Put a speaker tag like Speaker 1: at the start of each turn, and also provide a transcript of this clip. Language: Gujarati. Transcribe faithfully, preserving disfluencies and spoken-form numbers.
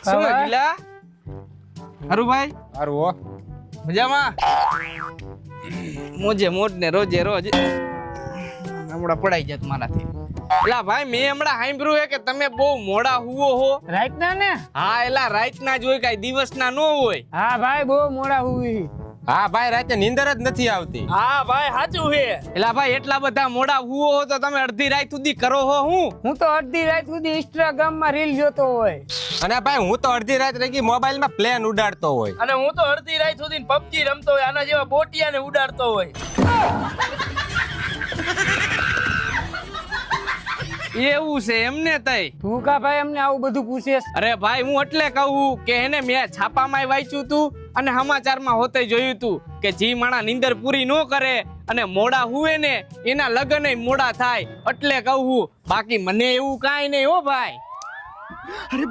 Speaker 1: શું ગીલા હારું ભાઈ
Speaker 2: હારું હો
Speaker 1: મજામાં મોજે મોજ ને રોજે રોજ હમણાં પડાઈ જાત મારાથી એલા ભાઈ મેં હમણાં સાંભળ્યું હે કે તમે બહુ મોડા હુવો હો
Speaker 3: રાઈટ ના ને
Speaker 1: હા એલા રાત ના જ હોય કઈ દિવસ ના ન હોય
Speaker 3: હા ભાઈ બહુ મોડા હુઈ
Speaker 2: હા ભાઈ રાતે નીંદર જ નથી આવતી
Speaker 3: હા ભાઈ સાચું છે
Speaker 1: એલા ભાઈ એટલા બધા મોડા હુવો હો તો તમે અડધી રાત સુધી કરો હો હું
Speaker 3: હું તો અડધી રાત સુધી ઇન્સ્ટાગ્રામ માં રીલ જોતો હોય
Speaker 2: અને ભાઈ હું તો અડધી રાત રહી મોબાઈલ માં પ્લેન ઉડાડતો હોય
Speaker 4: અને હું તો અડધી રાત સુધી પબજી રમતો હોય આના જેવા બોટિયાને ઉડાડતો હોય
Speaker 1: એવું છે એમને તઈ
Speaker 3: તું કા ભાઈ અમને આવું બધું પૂછેસ
Speaker 1: અરે ભાઈ હું એટલે કહું કે એને મેં છાપામાં વાંચ્યું તું અને સમાચારમાં હોતે જોયું તું કે જી માણા નીંદર પૂરી ન કરે અને મોડા હુએ ને એના લગ્ન મોડા થાય એટલે કહું બાકી મને એવું કાંઈ નહીં હો ભાઈ